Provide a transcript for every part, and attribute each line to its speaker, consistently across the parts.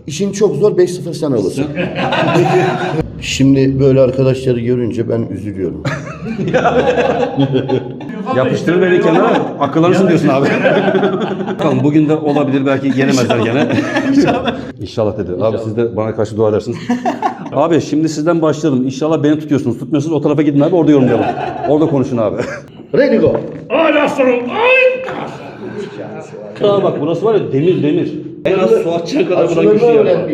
Speaker 1: İşin çok zor, 5-0 sen alırsın. Şimdi böyle arkadaşları görünce ben üzülüyorum.
Speaker 2: Yapıştırır beni kenara, akıllanırsın diyorsun abi. Bakalım bugün de olabilir, belki yenemezler gene. İnşallah dedi. Abi siz de bana karşı dua edersiniz. Abi şimdi sizden başlayalım. İnşallah beni tutuyorsunuz. Tutmuyorsunuz o tarafa gidin abi, orada yorumlayalım. Orada konuşun abi.
Speaker 1: Ready go.
Speaker 3: Ay aslanım, ay!
Speaker 2: Aa bak burası var ya, demir. En az su açacak kadar buradan güçlü yer var.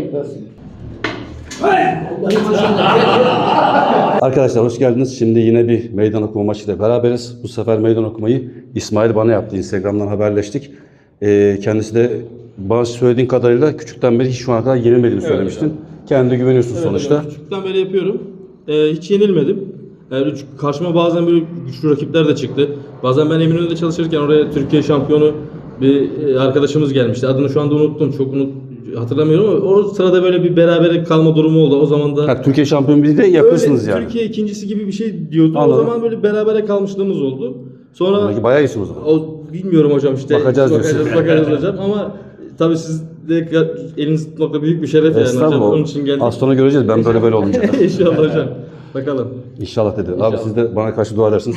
Speaker 2: Arkadaşlar hoş geldiniz. Şimdi yine bir meydan okuma maçıyla beraberiz. Bu sefer meydan okumayı İsmail bana yaptı. Instagram'dan haberleştik. Kendisi de bana söylediğin kadarıyla küçükten beri hiç şu ana kadar yenilmediğini söylemiştin. Kendine güveniyorsun sonuçta.
Speaker 4: Evet, küçükten beri yapıyorum. Hiç yenilmedim. Karşıma bazen böyle güçlü rakipler de çıktı. Bazen ben Eminönü'nde çalışırken oraya Türkiye şampiyonu bir arkadaşımız gelmişti. Adını şu anda unuttum. Hatırlamıyorum ama o sırada böyle bir berabere kalma durumu oldu. O zaman da
Speaker 2: Türkiye şampiyonu bir de yakınsınız yani.
Speaker 4: Türkiye ikincisi gibi bir şey diyordu.
Speaker 2: Anladım.
Speaker 4: O zaman böyle berabere kalmışlığımız oldu. Sonra
Speaker 2: Belki bayağı iyisin o zaman.
Speaker 4: bilmiyorum hocam işte.
Speaker 2: Bakacağız diyorsun.
Speaker 4: Bakacağız hocam ama tabii siz de eliniz tutmakta büyük bir şeref yani hocam. Onun için geldik.
Speaker 2: Az sonra göreceğiz. Ben böyle olmayacak.
Speaker 4: İnşallah hocam. Bakalım.
Speaker 2: İnşallah dedi. Abi siz de bana karşı dua edersiniz.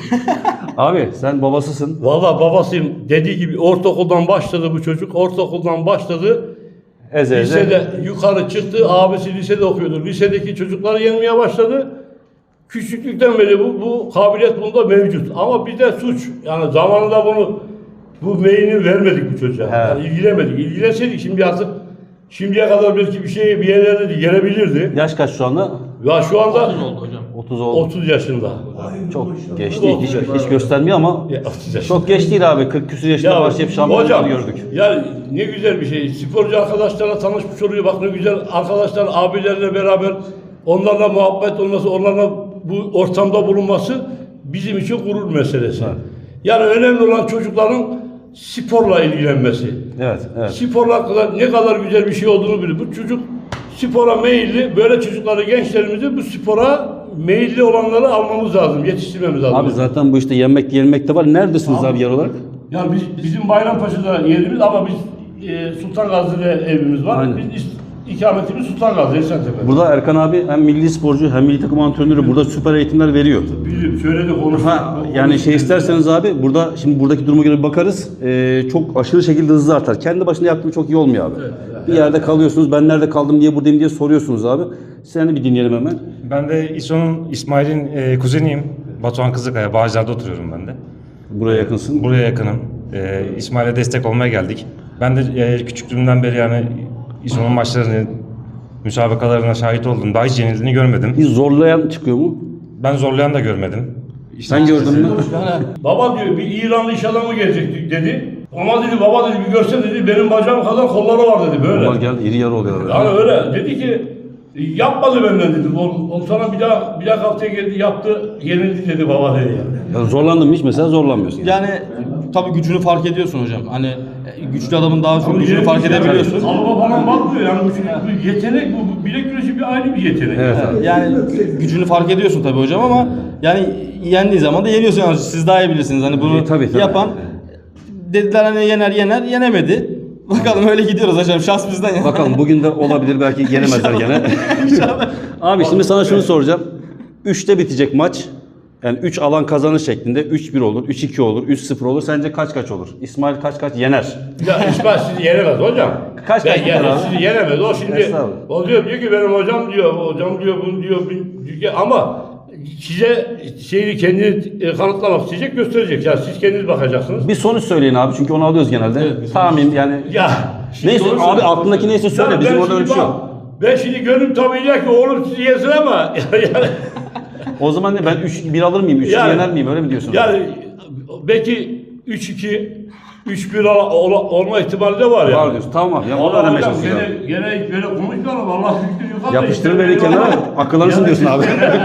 Speaker 2: Abi sen babasısın.
Speaker 3: Vallahi babasıyım dediği gibi ortaokuldan başladı bu çocuk. Ortaokuldan başladı.
Speaker 2: Eze.
Speaker 3: Lisede yukarı çıktı. Abisi lisede okuyordu. Lisedeki çocukları yenmeye başladı. Küçüklükten beri bu kabiliyet bunda mevcut. Ama bir de suç. Yani zamanında bu meyini vermedik bu çocuğa.
Speaker 2: Evet.
Speaker 3: Yani ilgilemedik. İlgilenseydik şimdiye kadar belki bir yerlerde de gelebilirdi.
Speaker 2: Yaş kaç şu anda?
Speaker 3: Ya şu anda
Speaker 2: 30 oldu.
Speaker 3: 30 yaşında.
Speaker 2: Çok geç değil. Hiç göstermiyor ama
Speaker 3: 30 yaşında.
Speaker 2: çok geç değil abi. 40 küsur yaşında başlayıp şampiyonları gördük.
Speaker 3: Ya ne güzel bir şey. Sporcu arkadaşlarla tanışmış oluyor. Bak ne güzel arkadaşlar, abilerle beraber onlarla muhabbet olması, onlarla bu ortamda bulunması bizim için gurur meselesi.
Speaker 2: Evet.
Speaker 3: Yani önemli olan çocukların sporla ilgilenmesi.
Speaker 2: Evet.
Speaker 3: Sporla ne kadar güzel bir şey olduğunu bilir. Bu çocuk spora meyilli. Böyle çocukları, gençlerimizi bu spora meyilli olanları almamız lazım, yetiştirmemiz lazım.
Speaker 2: Abi zaten bu işte yenmek de var. Neredesiniz abi yer olarak?
Speaker 3: Yani bizim Bayrampaşa'da yerimiz ama biz Sultan Gazi'de evimiz var.
Speaker 2: Aynen.
Speaker 3: Biz ikametimiz Sultan Gazi, Esentepe.
Speaker 2: Burada Erkan abi hem milli sporcu hem milli takım antrenörü, burada süper eğitimler veriyor.
Speaker 3: Biliyorum, söyledi, konuştuk.
Speaker 2: Yani isterseniz abi burada şimdi buradaki duruma göre bir bakarız. Çok aşırı şekilde hızlı artar. Kendi başına yaptığım çok iyi olmuyor abi. Bir yerde kalıyorsunuz. Ben nerede kaldım, niye buradayım diye soruyorsunuz abi. Seni bir dinleyelim hemen.
Speaker 5: Ben de İsmail'in kuzeniyim. Batuhan Kızıkaya, Bağcılar'da oturuyorum ben de.
Speaker 2: Buraya yakınsın.
Speaker 5: Buraya yakınım. İsmail'e destek olmaya geldik. Ben de küçüklüğümden beri yani İSO'nun maçlarını, müsabakalarına şahit oldum. Daha hiç yenildiğini görmedim.
Speaker 2: Bir zorlayan çıkıyor mu?
Speaker 5: Ben zorlayan da görmedim.
Speaker 2: Sen gördün mü?
Speaker 3: Baba diyor, bir İranlı iş adamı gelecek dedi. Ama dedi, baba dedi, bir görsen dedi, benim bacağım kadar kolları var dedi, böyle.
Speaker 2: Onlar geldi, iri yarı oluyor.
Speaker 3: Yani öyle. Dedi ki, yapmadı benden dedi. O sana bir daha haftaya geldi, yaptı, yenildi dedi baba dedi yani.
Speaker 2: Yani zorlandın mı hiç mesela, zorlanmıyorsun.
Speaker 4: Yani tabii gücünü fark ediyorsun hocam. Hani güçlü adamın daha çok gücünü fark edebiliyorsun.
Speaker 3: Kalıba falan bakmıyor yani bu yetenek, bu bilek güreşi bir ayrı bir yetenek.
Speaker 2: Evet abi.
Speaker 4: Yani gücünü fark ediyorsun tabii hocam ama yani yendiği zaman da yeniyorsun. Yani siz daha iyi bilirsiniz. Hani bunu
Speaker 2: Tabii.
Speaker 4: yapan dediler hani yener yenemedi. Bakalım öyle gidiyoruz hocam. Şans bizden ya.
Speaker 2: Bakalım bugün de olabilir, belki yenemezler gene. Abi şimdi sana şunu soracağım. 3'te bitecek maç. Yani 3 alan kazanır şeklinde 3-1 olur, 3-2 olur, 3-0 olur. Sence kaç olur? İsmail kaç yener?
Speaker 3: Ya İsmail sizi yenemez hocam.
Speaker 2: Kaç
Speaker 3: Ben
Speaker 2: biter abi?
Speaker 3: sizi yenemez. O şimdi
Speaker 2: Estağfurullah.
Speaker 3: o diyor ki benim hocam diyor bunu diyor ama size kendini kanıtlamak isteyecek, gösterecek. Ya siz kendiniz bakacaksınız.
Speaker 2: Bir sonuç söyleyin abi, çünkü onu alıyoruz genelde. Tahmin yani.
Speaker 3: Ya
Speaker 2: Neyse abi, aklındaki neyse söyle.
Speaker 3: Ya
Speaker 2: Bizim
Speaker 3: ben
Speaker 2: orada öyle bir şey
Speaker 3: şimdi
Speaker 2: yok.
Speaker 3: Ben şimdi gönlüm tabii ki oğlum sizi yesin ama yani
Speaker 2: O zaman ne, ben 3-1 alır mıyım? 3
Speaker 3: Yani-
Speaker 2: yener miyim? Öyle mi diyorsun?
Speaker 3: yani belki 3-2 3-1 olma ihtimali de var ya.
Speaker 2: Var diyorsun. Tamam abi. Ya onu
Speaker 3: Allah
Speaker 2: öğrenmeye
Speaker 3: hocam
Speaker 2: çalışacağım.
Speaker 3: gene böyle konuşmayalım. Allah büyüktür yukarıda.
Speaker 2: Yapıştırır beni kenara. Akıllanırsın diyorsun abi.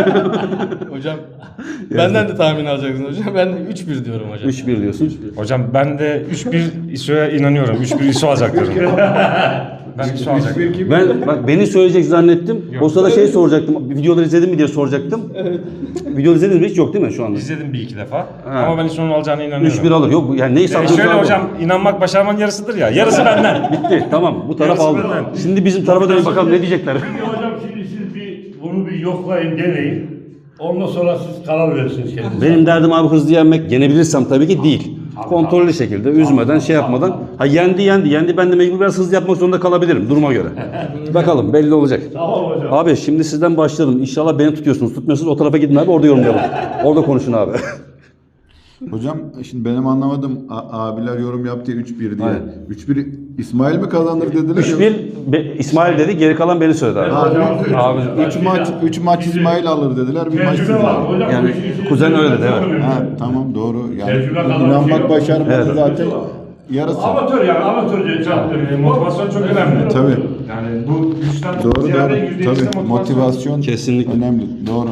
Speaker 4: Hocam benden de tahmin alacaksın hocam. Ben 3-1 diyorum hocam.
Speaker 2: 3-1 diyorsun.
Speaker 5: Hocam ben de 3-1 İSO'ya inanıyorum. 3-1 İSO alacak diyorum. Ben ISO alacaktım.
Speaker 2: Ben bak beni söyleyecek zannettim. O sırada şey soracaktım. Videoları izledin mi diye soracaktım. Videoları izlediniz mi? Hiç yok değil mi şu anda?
Speaker 5: İzledim bir iki defa. Ama ben ISO'nun alacağına inanıyorum.
Speaker 2: 3-1 alır. Yok yani neyi saklıyorsun?
Speaker 5: Şöyle hocam, inanmak başarmanın yarısıdır ya. Yarısı benden.
Speaker 2: Bitti. Tamam. Bu taraf
Speaker 5: Yarısı
Speaker 2: aldı.
Speaker 5: benden.
Speaker 2: Şimdi bizim tarafa dönüp bakalım ne diyecekler.
Speaker 3: Şimdi hocam siz bunu bir yoklayın, deneyin. Ondan sonra siz karar verirsiniz kendinize.
Speaker 2: Benim derdim abi hızlı yenmek. Yenebilirsem tabii ki değil. Kontrollü şekilde, üzmeden, şey yapmadan. Ha yendi. Ben de mecbur biraz hızlı yapmak zorunda kalabilirim duruma göre. Bakalım belli olacak.
Speaker 3: Tamam hocam.
Speaker 2: Abi şimdi sizden başlayalım. İnşallah beni tutuyorsunuz. Tutmuyorsunuz o tarafa gidin abi orada yorumlayalım. Orada konuşun abi.
Speaker 6: Hocam şimdi benim anlamadım abiler yorum yaptı 3-1 diye.
Speaker 2: Aynen.
Speaker 6: 3-1 İsmail mi kazanır dediler?
Speaker 2: 3-1 İsmail dedi, geri kalan beni söyledi abi. Abi
Speaker 6: 3 maç İsmail alır dediler. Bir maç siz
Speaker 3: Tecrübe var
Speaker 6: alın.
Speaker 3: hocam.
Speaker 2: Yani
Speaker 3: bu işin
Speaker 2: kuzen öyle dedi, evet.
Speaker 6: Ha, tamam doğru. Yani
Speaker 3: Tecrübe kadar bir şey
Speaker 6: inanmak
Speaker 3: yok.
Speaker 6: başarmadı
Speaker 2: Evet.
Speaker 6: zaten yarısı.
Speaker 3: Amatör yani amatörce çarptı.
Speaker 5: Motivasyon çok önemli.
Speaker 6: Tabii.
Speaker 5: Yani bu güçten
Speaker 6: Doğru
Speaker 5: ziyade
Speaker 6: doğru.
Speaker 5: %100'de
Speaker 6: Tabii motivasyon
Speaker 2: Kesinlikle.
Speaker 6: önemli. Doğru.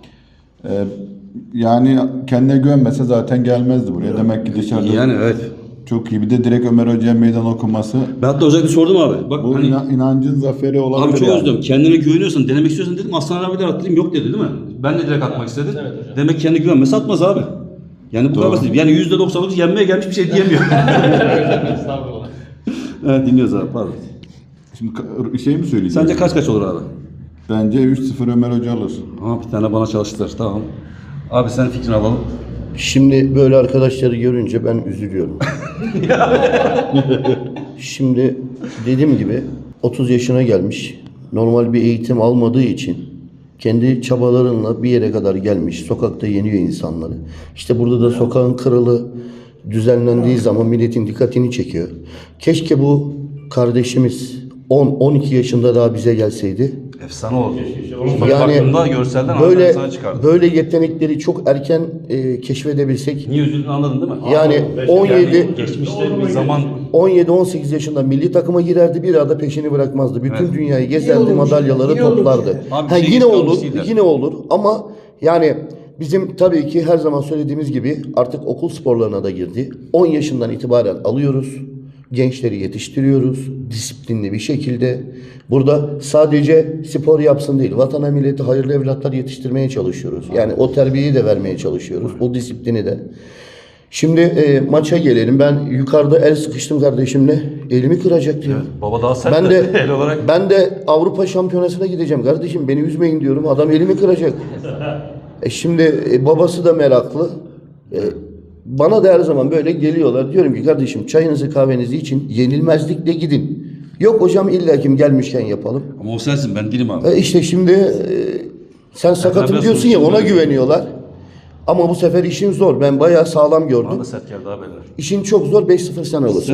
Speaker 6: Yani kendine güvenmese zaten gelmezdi buraya. Demek ki dışarıda
Speaker 2: Yani evet.
Speaker 6: çok iyi. Bir de direkt Ömer Hoca'ya meydan okuması.
Speaker 2: Ben hatta özellikle sordum abi. Bak
Speaker 6: Bu
Speaker 2: hani
Speaker 6: inancın zaferi olabilir.
Speaker 2: abi çok
Speaker 6: yani.
Speaker 2: özledim. Kendine güveniyorsan, denemek istiyorsan dedim. Aslan abi de at dedim. Yok dedi değil mi? Ben de direkt atmak istedim. Demek kendine güvenmese atmaz abi. Yani bu kadar basit. Yani %99 yenmeye gelmiş bir şey diyemiyor.
Speaker 4: Estağfurullah.
Speaker 2: Evet dinliyoruz abi pardon.
Speaker 6: Şimdi şey mi söyleyeceğim?
Speaker 2: Sence kaç olur abi?
Speaker 6: Bence 3-0 Ömer Hoca alır.
Speaker 2: Aha bir tane bana çalıştır tamam. Abi sen fikrini alalım.
Speaker 1: Şimdi böyle arkadaşları görünce ben üzülüyorum. Şimdi dediğim gibi 30 yaşına gelmiş. Normal bir eğitim almadığı için kendi çabalarınla bir yere kadar gelmiş. Sokakta yeniyor insanları. İşte burada da sokağın kralı düzenlendiği zaman milletin dikkatini çekiyor. Keşke bu kardeşimiz 10-12 yaşında daha bize gelseydi.
Speaker 2: Efsane oldu.
Speaker 1: Yani
Speaker 2: baktığında görselden
Speaker 1: böyle
Speaker 2: efsane çıkardı.
Speaker 1: böyle yetenekleri çok erken keşfedebilsek.
Speaker 2: Niye üzüldüğünü anladın değil mi?
Speaker 1: Yani 17
Speaker 2: Geçmişte bir zaman
Speaker 1: 17-18 yaşında milli takıma girerdi, bir arada peşini bırakmazdı. Bütün dünyayı gezerdi, madalyaları toplardı.
Speaker 2: Abi
Speaker 1: Ha,
Speaker 2: şey
Speaker 1: yine olur,
Speaker 2: kalmış değil
Speaker 1: yine olur ama yani bizim tabii ki her zaman söylediğimiz gibi artık okul sporlarına da girdi. 10 yaşından itibaren alıyoruz. Gençleri yetiştiriyoruz disiplinli bir şekilde. Burada sadece spor yapsın değil, vatana millete hayırlı evlatlar yetiştirmeye çalışıyoruz. Yani o terbiyeyi de vermeye çalışıyoruz, o disiplini de. Şimdi maça gelelim. Ben yukarıda el sıkıştım kardeşimle. Elimi kıracaktı ya.
Speaker 2: baba daha sert
Speaker 1: Ben de
Speaker 2: el olarak.
Speaker 1: ben de Avrupa Şampiyonası'na gideceğim kardeşim. Beni üzmeyin diyorum. Adam elimi kıracak. Şimdi babası da meraklı. Bana da her zaman böyle geliyorlar. Diyorum ki kardeşim çayınızı kahvenizi için yenilmezlikle gidin. Yok hocam illa kim gelmişken yapalım.
Speaker 2: Ama o sensin ben değilim abi.
Speaker 1: İşte şimdi sen sakatım
Speaker 2: biraz
Speaker 1: diyorsun ya ona
Speaker 2: konuştum.
Speaker 1: güveniyorlar. Ama bu sefer işin zor. Ben bayağı sağlam
Speaker 2: Bana
Speaker 1: gördüm.
Speaker 2: da sert geldi abi eller.
Speaker 1: İşin çok zor. 5-0 sen alırsın.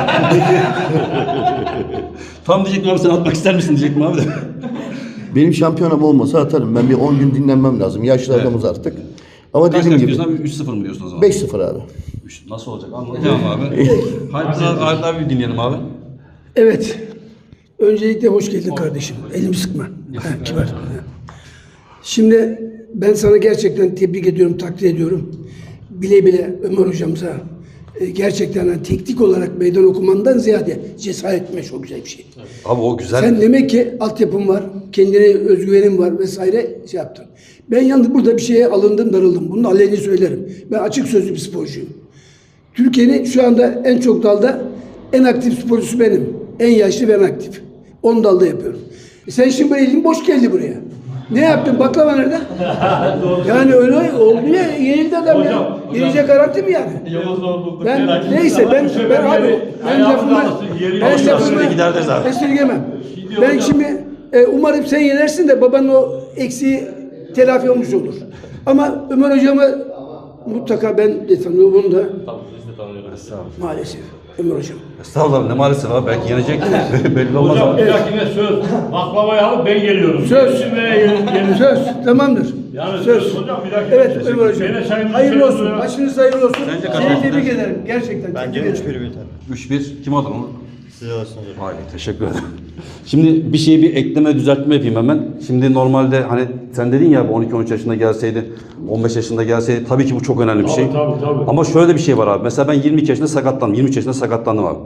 Speaker 2: Tam diyecektim abi sen atmak ister misin diyecektim abi de.
Speaker 1: Benim şampiyonam olmasa atarım. Ben bir 10 gün dinlenmem lazım. Yaşlı adamız artık. Ama
Speaker 2: Kaç
Speaker 1: dediğim
Speaker 2: kaç
Speaker 1: gibi
Speaker 2: diyorsun abi? 3-0 mı diyorsun o zaman?
Speaker 1: 5-0 abi.
Speaker 2: Nasıl olacak? Anlatacağım abi. Halit abi dinleyelim abi.
Speaker 7: Evet. Öncelikle hoş geldin kardeşim. Elimi sıkma. Ha, kibar. Şimdi ben sana gerçekten tebrik ediyorum, takdir ediyorum. Bile bile Ömer hocamıza gerçekten hani teknik olarak meydan okumandan ziyade cesaret etmek çok güzel bir şey.
Speaker 2: Abi o güzel.
Speaker 7: Sen demek ki altyapın var, kendine özgüvenin var vesaire şey yaptın. Ben yalnız burada bir şeye alındım, darıldım. Bunu aleni söylerim. Ben açık sözlü bir sporcuyum. Türkiye'nin şu anda en çok dalda en aktif sporcusu benim. En yaşlı ben aktif. 10 dalda yapıyorum. Sen şimdi böyle elin boş geldi buraya. Ne yaptın? Baklava nerede? Yani öyle oldu ya. Yenildi adam ya. Yenecek garanti mi yani? Ben neyse ben abi ben lafımı
Speaker 2: giderdiniz abi.
Speaker 7: esirgemem. Ben şimdi umarım sen yenersin de babanın o eksiği telafi olmuş olur. Ama Ömer hocamı mutlaka ben de tanıyorum onu da. Maalesef Ömer hocam.
Speaker 2: Estağfurullah ne maalesef abi belki yenecek. Belli olmaz
Speaker 3: Hocam
Speaker 2: abi.
Speaker 3: bir dahakine söz. Baklavayı alıp ben geliyorum.
Speaker 7: Söz.
Speaker 3: Şimdi
Speaker 7: Söz tamamdır.
Speaker 3: Yani
Speaker 7: Söz.
Speaker 3: hocam bir dakika.
Speaker 7: Evet Ömer hocam.
Speaker 3: Gene çayımızı
Speaker 7: Hayırlı
Speaker 3: içelim
Speaker 7: olsun.
Speaker 3: ya.
Speaker 7: Maçınız hayırlı olsun.
Speaker 2: Bence kaç
Speaker 7: Seni
Speaker 2: oldu?
Speaker 7: tebrik ederim. Gerçekten tebrik ederim.
Speaker 2: 3-1 kim alır onu? Size olsun hocam. Hayır teşekkür ederim. Şimdi bir şeyi bir ekleme düzeltme yapayım hemen. Şimdi normalde hani sen dedin ya 12-13 yaşında gelseydi, 15 yaşında gelseydi tabii ki bu çok önemli bir şey.
Speaker 3: Tabii.
Speaker 2: Ama şöyle bir şey var abi. Mesela ben 22 yaşında sakatlandım. 23 yaşında sakatlandım abi.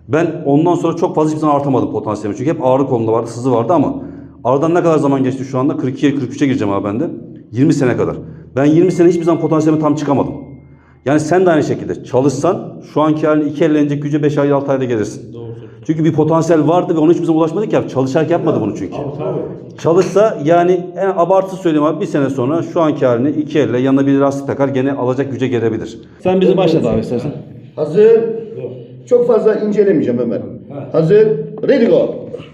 Speaker 2: Ben ondan sonra çok fazla hiçbir zaman artamadım potansiyelimi. Çünkü hep ağrı kolumda vardı, sızı vardı ama aradan ne kadar zaman geçti şu anda? 42'ye 43'e gireceğim abi ben de. 20 sene kadar. Ben 20 sene hiçbir zaman potansiyelime tam çıkamadım. Yani sen de aynı şekilde çalışsan şu anki halini 2 elle inecek güce 5 ay 6 ayda gelirsin. Çünkü bir potansiyel vardı ve ona hiçbir zaman ulaşmadık ya. Çalışarak yapmadı bunu çünkü. Çalışsa yani en abartısı söyleyeyim abi, bir sene sonra şu anki halini 2 elle yanına bir lastik takar gene alacak güce gelebilir.
Speaker 4: Sen bizi başlat abi istersen.
Speaker 1: Hazır. Çok fazla incelemeyeceğim Ömer. Hazır. Ready go.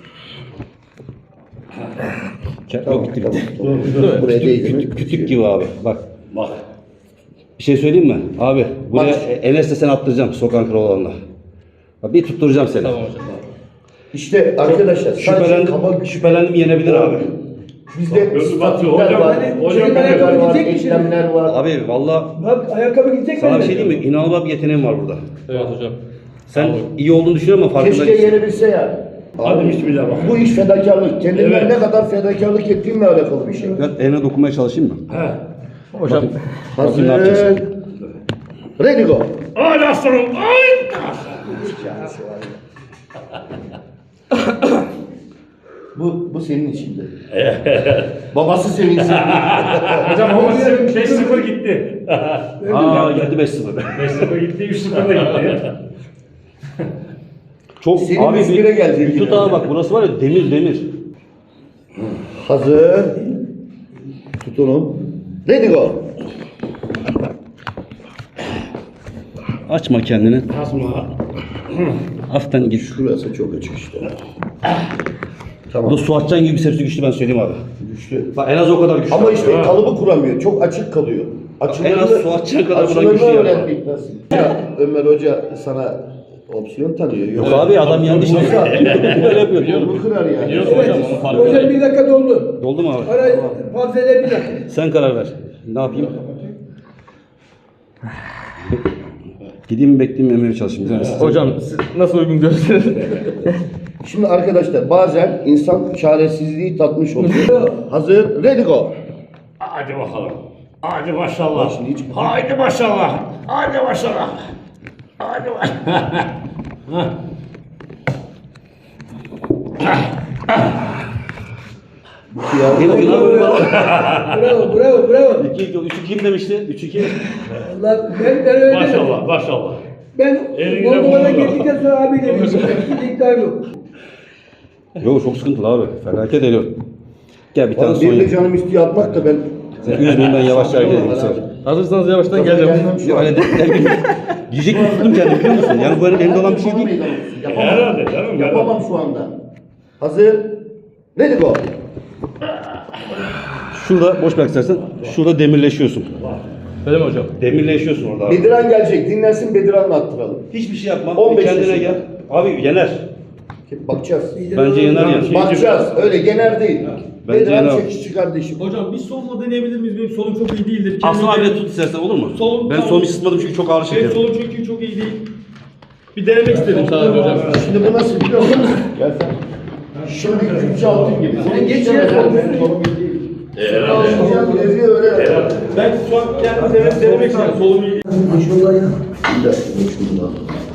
Speaker 1: Tamam, tamam. Buraya değil.
Speaker 2: Kütük gibi abi. Bak. Bir şey söyleyeyim mi? Abi buraya
Speaker 1: Bak.
Speaker 2: Enes'le seni attıracağım sokağın kralı. Bir tutturacağım seni.
Speaker 4: Tamam hocam.
Speaker 1: İşte arkadaşlar sadece kaba
Speaker 2: Şüphelendim yenebilir abi.
Speaker 1: bizde
Speaker 3: Gözü batıyor.
Speaker 1: statikler var,
Speaker 3: Hocam
Speaker 1: teknikler var,
Speaker 7: gidecek mi
Speaker 1: eklemler var.
Speaker 2: Abi valla
Speaker 7: Bak ayakkabı gidecek
Speaker 2: sana
Speaker 7: mi?
Speaker 2: bir şey diyeyim mi? İnanılmaz bir yeteneğin var burada.
Speaker 4: Evet hocam.
Speaker 2: Sen iyi olduğunu düşünüyorum ama farkında
Speaker 1: Keşke
Speaker 2: değilsin.
Speaker 1: yenebilse ya.
Speaker 3: Hadi bismillah bak.
Speaker 1: Bu iş fedakarlık. Kendimden
Speaker 3: Evet.
Speaker 1: ne kadar fedakarlık ettiğimle alakalı bir şey.
Speaker 2: Ben eline dokunmaya çalışayım mı?
Speaker 4: Hocam.
Speaker 1: Hazır.
Speaker 2: ne yapacaksın?
Speaker 1: Ready go.
Speaker 3: Ay aslanım. Ay.
Speaker 1: Bu senin içinde. Babası sevinsin.
Speaker 3: Hocam ama 5-0 gitti.
Speaker 2: Aa geldi 5-0.
Speaker 3: 5-0 gitti, 3-0 da gitti.
Speaker 2: Çok
Speaker 1: Senin
Speaker 2: abi
Speaker 1: İzmir'e gelecek
Speaker 2: bir tut
Speaker 1: yine.
Speaker 2: abi bak burası var ya demir.
Speaker 1: Hazır. Tutunun. Ready go.
Speaker 2: Açma kendini.
Speaker 3: Asma.
Speaker 2: Hafiften git.
Speaker 1: Şurası çok açık işte. Tamam.
Speaker 2: Bu su atacaksın gibi bir sepsi güçlü ben söyleyeyim abi.
Speaker 1: Güçlü.
Speaker 2: Bak en az o kadar güçlü.
Speaker 1: Ama işte kalıbı kuramıyor. Çok açık kalıyor.
Speaker 2: En az su atacağın kadar buna
Speaker 1: açılarını
Speaker 2: güçlü yani.
Speaker 1: öğrendik nasıl? Ya, Ömer Hoca sana opsiyon tanıyor.
Speaker 2: Yok abi adam yanlış
Speaker 1: Yoksa
Speaker 2: böyle yapıyor diyorum.
Speaker 1: yolunu kırar yani.
Speaker 4: Biliyorsun hocam onun farkı.
Speaker 7: Hocam bir dakika doldu.
Speaker 2: Oldu mu abi?
Speaker 7: Ara fazla bir dakika.
Speaker 2: Sen karar ver. Ne yapayım? Gideyim mi bekleyeyim mi Emre'ye çalışayım.
Speaker 4: Hocam siz nasıl uygun görürseniz.
Speaker 1: Şimdi arkadaşlar bazen insan çaresizliği tatmış oluyor. Hazır, ready go.
Speaker 3: Hadi bakalım. Hadi maşallah.
Speaker 1: Şimdi hiç-
Speaker 3: Haydi maşallah. Hadi maşallah. Hadi maşallah.
Speaker 7: Bravo.
Speaker 2: 3-2 kim demişti? 3-2.
Speaker 7: Allah ben öyle dedim.
Speaker 3: Maşallah, maşallah.
Speaker 7: Ben
Speaker 3: Elinde
Speaker 7: Moldova'da
Speaker 3: bulundu.
Speaker 7: geldikten sonra abi dedim. Hiç iddiam yok.
Speaker 2: Yok çok sıkıntılı abi. Felaket ediyor. Gel bir tane
Speaker 1: Oğlum
Speaker 2: son
Speaker 1: benim de
Speaker 2: yap.
Speaker 1: canım istiyor atmak da ben...
Speaker 2: Sen üzmeyin ben yavaşça hareket edeyim. Sen.
Speaker 4: Hazırsanız yavaştan geleceğim.
Speaker 1: Gelmem şu
Speaker 2: Yok
Speaker 1: an.
Speaker 2: öyle diyecek mi tuttum kendimi biliyor musun? Yani bu elimde olan bir şey değil.
Speaker 1: Yapamam.
Speaker 3: Herhalde canım.
Speaker 1: Yapamam şu anda. Hazır, ready go.
Speaker 2: Şurada boş bırak istersen. Şurada demirleşiyorsun.
Speaker 4: Öyle mi hocam?
Speaker 2: Demirleşiyorsun orada abi.
Speaker 1: Bediran gelecek, dinlensin Bediran'la attıralım.
Speaker 2: Hiçbir şey yapma.
Speaker 1: 15
Speaker 2: kendine
Speaker 1: yaşında.
Speaker 2: gel. Abi yener.
Speaker 1: Bakacağız.
Speaker 2: Bence yener yani.
Speaker 1: Bakacağız, öyle yener değil.
Speaker 2: Bence
Speaker 1: Bediran
Speaker 2: yener.
Speaker 1: çekişçi kardeşim.
Speaker 4: Hocam bir solla deneyebilir miyiz? Benim solum çok iyi değildir.
Speaker 2: Aslında abi tut istersen olur mu?
Speaker 4: Solum-
Speaker 2: Ben solumu ısıtmadım çünkü çok ağır
Speaker 4: Benim
Speaker 2: şekerim.
Speaker 4: solum çünkü çok iyi değil. Bir denemek istedim sadece hocam.
Speaker 1: Şimdi bu nasıl biliyor musun? Gel sen. Şimdi Kürtçe altın gibi. Sen geç ya.
Speaker 4: Ben şu an kendim denemek istedim. Solum iyi değil.
Speaker 7: Maşallah ya.
Speaker 1: Bir dakika, şurada.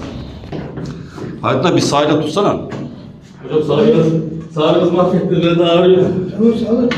Speaker 2: Hatta bir sahile tutsana.
Speaker 4: Hocam sağınız mahvetti. Ben de ağrıyorum.
Speaker 7: Tamam sağ olun.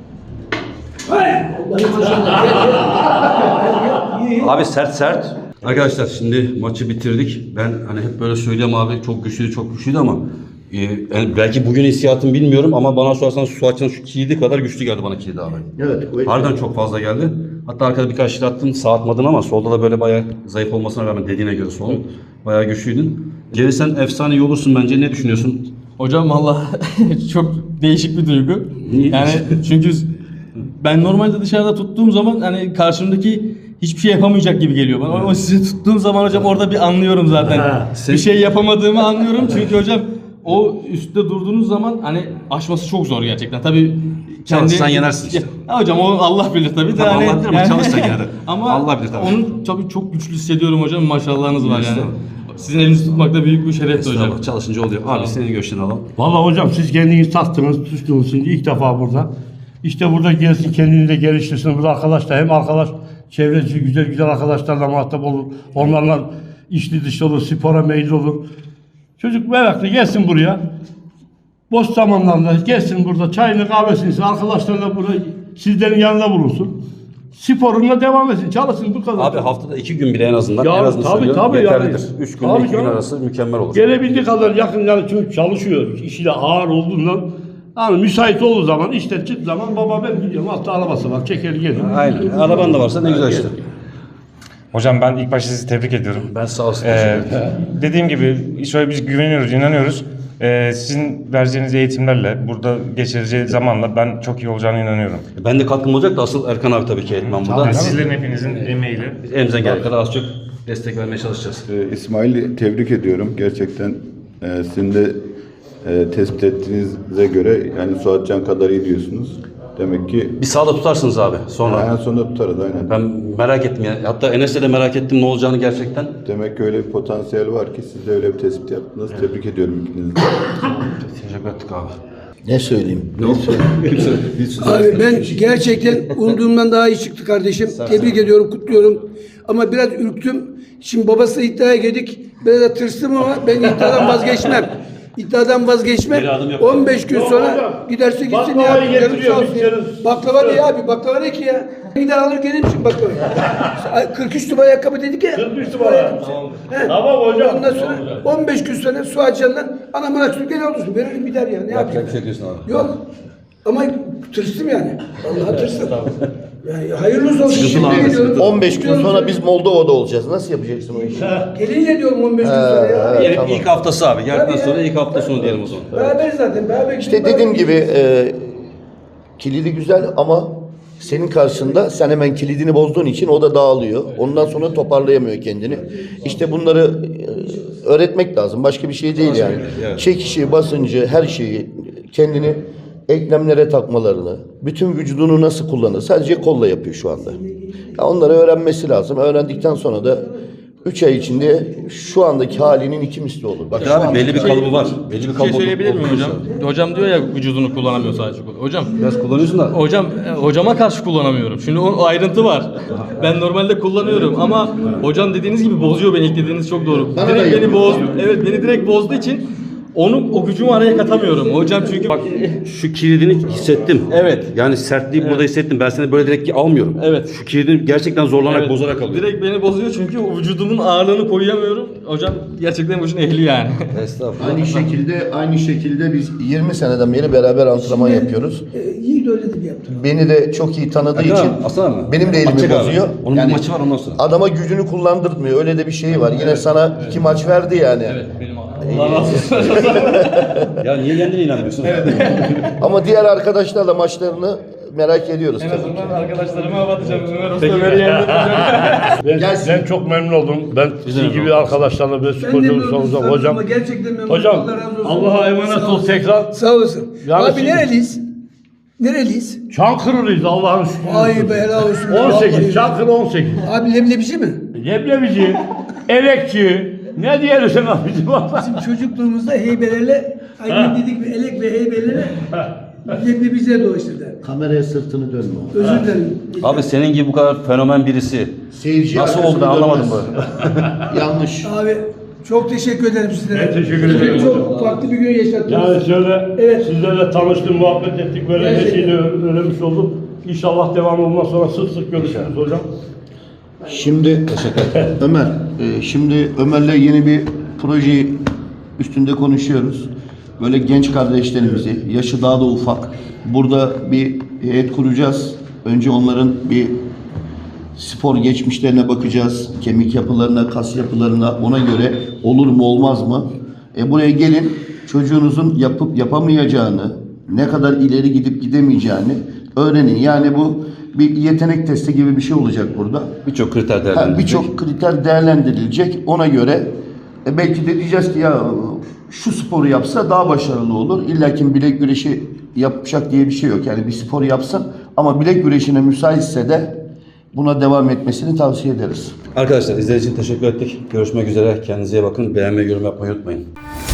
Speaker 7: Allah'ım maşallah.
Speaker 2: Abi sert. Arkadaşlar şimdi maçı bitirdik. Ben hani hep böyle söylüyorum abi çok güçlüydü ama yani belki bugün hissiyatım bilmiyorum ama bana sorarsan su açan şu kilidi kadar güçlü geldi bana kilidi abi.
Speaker 1: Evet, kuvvetli.
Speaker 2: Harbiden çok fazla geldi. Hatta arkada birkaç şiir attın sağ atmadın ama solda da böyle bayağı zayıf olmasına rağmen dediğine göre solun. Bayağı güçlüydün. Gelirsen efsane iyi olursun bence. Ne düşünüyorsun?
Speaker 4: Hocam valla çok değişik bir duygu.
Speaker 2: Niye?
Speaker 4: Yani çünkü ben normalde dışarıda tuttuğum zaman hani karşımdaki hiçbir şey yapamayacak gibi geliyor bana. Ama sizi tuttuğum zaman hocam orada bir anlıyorum zaten. Bir şey yapamadığımı anlıyorum çünkü hocam o üstte durduğunuz zaman hani aşması çok zor gerçekten. Tabii
Speaker 2: Çalışsan yenersin işte.
Speaker 4: Ya hocam o Allah bilir tabii de
Speaker 2: Tabii
Speaker 4: hani.
Speaker 2: Allah bilir ama çalışsan yine de.
Speaker 4: Ama
Speaker 2: Allah bilir tabii.
Speaker 4: Onu tabii çok güçlü hissediyorum hocam. Maşallahınız var yani.
Speaker 2: Estağfurullah.
Speaker 4: Sizin elinizi tutmak da büyük bir şerefti hocam.
Speaker 2: Estağfurullah, çalışınca oluyor. Abi senin görüşlerini alalım.
Speaker 3: Vallahi hocam siz kendiniz taktınız, tuttunuz şimdi ilk defa burada. İşte burada gelsin kendini de geliştirsin. Burada arkadaşlar hem arkadaş çevresi güzel arkadaşlarla muhatap olur. Onlarla içli dışlı olur, spora meyilli olur. Çocuk meraklı gelsin buraya. Boş zamanlarında gelsin burada çayını kahvesini içsin. Arkadaşlarla burada sizlerin yanında bulunsun. Sporuna devam etsin. Çalışsın bu kadar.
Speaker 2: Abi haftada 2 gün bile en azından.
Speaker 3: Ya
Speaker 2: en azından
Speaker 3: tabii,
Speaker 2: söylüyorum,
Speaker 3: tabii
Speaker 2: yeterlidir.
Speaker 3: yani.
Speaker 2: 3 gün
Speaker 3: Tabii
Speaker 2: 2 gün
Speaker 3: canım.
Speaker 2: arası mükemmel olur.
Speaker 3: Gelebildiği kadar yakın yani çünkü çalışıyor. İşi de ağır olduğundan yani müsait olduğu zaman işte çık zaman baba ben gidiyorum. Altta arabası var çeker gelirim.
Speaker 2: Aynen. Araban da varsa ne güzel işte.
Speaker 5: Hocam ben ilk başta sizi tebrik ediyorum.
Speaker 2: Ben sağ olsun.
Speaker 5: Dediğim gibi şöyle biz güveniyoruz, inanıyoruz. Sizin vereceğiniz eğitimlerle, burada geçireceği zamanla ben çok iyi olacağına inanıyorum.
Speaker 2: Ben de katkım olacak da asıl Erkan abi tabii ki etmem burada.
Speaker 5: Sizlerin hepinizin emeğiyle.
Speaker 2: Biz elimizden geldiği kadar az çok destek vermeye çalışacağız.
Speaker 6: İsmail'i tebrik ediyorum. Gerçekten sizin de tespit ettiğinize göre yani Suatcan kadar iyi diyorsunuz. Demek ki
Speaker 2: Bir sağda tutarsınız abi sonra.
Speaker 6: en sonunda tutarız aynen.
Speaker 2: Ben merak ettim ya. Hatta Enes'le de merak ettim ne olacağını gerçekten.
Speaker 6: Demek ki öyle bir potansiyel var ki siz de öyle bir tespit yaptınız. Tebrik ediyorum ikinizi de.
Speaker 2: Teşekkür ettik abi.
Speaker 1: Ne söyleyeyim?
Speaker 7: Abi ben gerçekten umduğumdan daha iyi çıktı kardeşim. Tebrik ediyorum, kutluyorum. Ama biraz ürktüm. Şimdi babasıyla iddiaya girdik. Biraz da tırstım ama ben iddiadan vazgeçmem. İddiadan vazgeçmem.
Speaker 2: Bir adım yap.
Speaker 7: 15 gün
Speaker 3: Yok
Speaker 7: sonra
Speaker 3: hocam.
Speaker 7: giderse gitsin ya.
Speaker 3: Baklavayı
Speaker 7: Canım
Speaker 3: getiriyor,
Speaker 7: sağ olsun ya.
Speaker 3: içeriz.
Speaker 7: Baklava ne abi? Baklava ne ki ya? Gider alır gelir misin baklavayı? 43 numara ayakkabı dedik ya.
Speaker 3: 43 numara.
Speaker 7: He.
Speaker 3: Tamam hocam.
Speaker 7: Ondan sonra 15 gün sonra Suatcan'dan anamın aksını gel olursun. Veririm gider ya. Ne yapayım?
Speaker 2: bir şey diyorsun abi.
Speaker 7: Yok. Ama tırstım yani. Vallahi tırstım. Yani hayırlısı olsun.
Speaker 2: Sıkıntılı
Speaker 7: Şimdi
Speaker 2: abi,
Speaker 7: geliyorum.
Speaker 1: 15 gün sonra biz Moldova'da olacağız. Nasıl yapacaksın o işi?
Speaker 7: Gelince diyorum 15 gün sonra ya.
Speaker 2: Diyelim
Speaker 1: Tamam.
Speaker 2: ilk haftası abi. Geldikten
Speaker 7: Tabii ya.
Speaker 2: sonra ilk hafta sonu diyelim o zaman.
Speaker 7: Beraber zaten. Beraber
Speaker 1: İşte dediğim gibi kilidi güzel ama senin karşında sen hemen kilidini bozduğun için o da dağılıyor. Ondan sonra toparlayamıyor kendini. İşte bunları öğretmek lazım. Başka bir şey değil yani.
Speaker 2: Evet.
Speaker 1: Çekişi, basıncı, her şeyi kendini eklemlere takmalarını, bütün vücudunu nasıl kullanır? Sadece kolla yapıyor şu anda. Ya onları öğrenmesi lazım. Öğrendikten sonra da 3 ay içinde şu andaki halinin 2 misli olur. Bak,
Speaker 2: Abi belli bir kalıbı var. Belli bir
Speaker 4: Bir şey
Speaker 2: kalıbı
Speaker 4: söyleyebilir miyim
Speaker 2: olduysa.
Speaker 4: hocam? Hocam diyor ya vücudunu kullanamıyor sadece. Hocam
Speaker 2: Biraz kullanıyorsun da.
Speaker 4: hocama karşı kullanamıyorum. Şimdi o ayrıntı var. Ben normalde kullanıyorum ama hocam dediğiniz gibi bozuyor beni. İlk dediğiniz çok doğru.
Speaker 1: Bana da
Speaker 4: Direkt beni
Speaker 1: yapıyor.
Speaker 4: bozdu. Evet beni direkt bozduğu için o gücümü araya katamıyorum. Hocam çünkü
Speaker 2: Bak şu kilidini hissettim.
Speaker 4: Evet.
Speaker 2: Yani sertliği burada hissettim. Ben seni böyle direkt almıyorum.
Speaker 4: Evet.
Speaker 2: Şu kilidini gerçekten zorlanarak
Speaker 4: Evet,
Speaker 2: bozarak alıyorum.
Speaker 4: direkt beni bozuyor çünkü o vücudumun ağırlığını koyamıyorum. Hocam gerçekten bu işin ehli yani.
Speaker 2: Estağfurullah.
Speaker 1: aynı şekilde biz 20 seneden beri beraber antrenman yapıyoruz.
Speaker 7: Yiğit öyle de yaptı.
Speaker 1: Beni de çok iyi tanıdığı
Speaker 2: Erkan
Speaker 1: için
Speaker 2: abi, Aslan abi.
Speaker 1: benim de elimi
Speaker 2: Atacak abi.
Speaker 1: bozuyor.
Speaker 2: Onun bir maçı var ondan sonra.
Speaker 1: Adama gücünü kullandırtmıyor. Öyle de bir şey var. Yine sana 2 maç verdi yani.
Speaker 4: Benim Allah razı olsun.
Speaker 2: Ya niye kendine inanmıyorsun?
Speaker 1: Ama diğer arkadaşlarla maçlarını merak ediyoruz.
Speaker 4: En
Speaker 1: tabii.
Speaker 4: azından arkadaşlarıma hava atacağım. Ömer Usta beni yendireceğim.
Speaker 3: Ben çok memnun oldum. Ben sizin gibi arkadaşlarla böyle sporcu olursanız hocam.
Speaker 7: Gerçekten memnun.
Speaker 3: Hocam
Speaker 7: Allah razı olsun.
Speaker 3: Allah'a emanet
Speaker 7: Sağ
Speaker 3: ol
Speaker 7: olsun.
Speaker 3: tekrar.
Speaker 7: Sağ olasın.
Speaker 3: Yani
Speaker 7: Abi
Speaker 3: şimdi-
Speaker 7: nereliyiz? Nereliyiz?
Speaker 3: Çankırılıyız Allah'ın şükür.
Speaker 7: Ay be helal olsun.
Speaker 3: 18,
Speaker 7: Vallahi.
Speaker 3: Çankırı 18.
Speaker 7: Abi leblebici mi?
Speaker 3: Leblebici, elekçi, ne diyelim sen abicim?
Speaker 7: Bizim çocukluğumuzda heybelerle, aynı dedik bir elek ve heybelerle leblebiciye dolaştırdı.
Speaker 1: Kameraya sırtını dönme.
Speaker 7: Özür dilerim.
Speaker 2: Abi senin gibi bu kadar fenomen birisi.
Speaker 1: Seyirci
Speaker 2: Nasıl oldu ben anlamadım böyle.
Speaker 7: Yanlış. Abi çok teşekkür ederim sizlere.
Speaker 3: Ben teşekkür ederim.
Speaker 7: Çok farklı bir gün yaşattınız.
Speaker 3: Yani şöyle
Speaker 7: Evet.
Speaker 3: sizlerle tanıştık, muhabbet ettik, böyle her
Speaker 7: Gerçekten.
Speaker 3: şeyi öğrenmiş olduk. İnşallah devamı bundan sonra sık sık görüşürüz hocam.
Speaker 1: Şimdi Ömer, şimdi Ömer'le yeni bir proje üstünde konuşuyoruz. Böyle genç kardeşlerimizi, yaşı daha da ufak, burada bir heyet kuracağız. Önce onların bir spor geçmişlerine bakacağız. Kemik yapılarına, kas yapılarına, ona göre olur mu olmaz mı? Buraya gelin, çocuğunuzun yapıp yapamayacağını, ne kadar ileri gidip gidemeyeceğini öğrenin. Yani bu bir yetenek testi gibi bir şey olacak burada.
Speaker 2: Birçok kriter değerlendirilecek.
Speaker 1: Birçok kriter değerlendirilecek. Ona göre belki de diyeceğiz ki ya şu sporu yapsa daha başarılı olur. İlla ki bilek güreşi yapacak diye bir şey yok. Yani bir spor yapsın ama bilek güreşine müsaitse de buna devam etmesini tavsiye ederiz.
Speaker 2: Arkadaşlar izlediğiniz için teşekkür ettik. Görüşmek üzere. Kendinize iyi bakın. Beğenmeyi, yorum yapmayı unutmayın.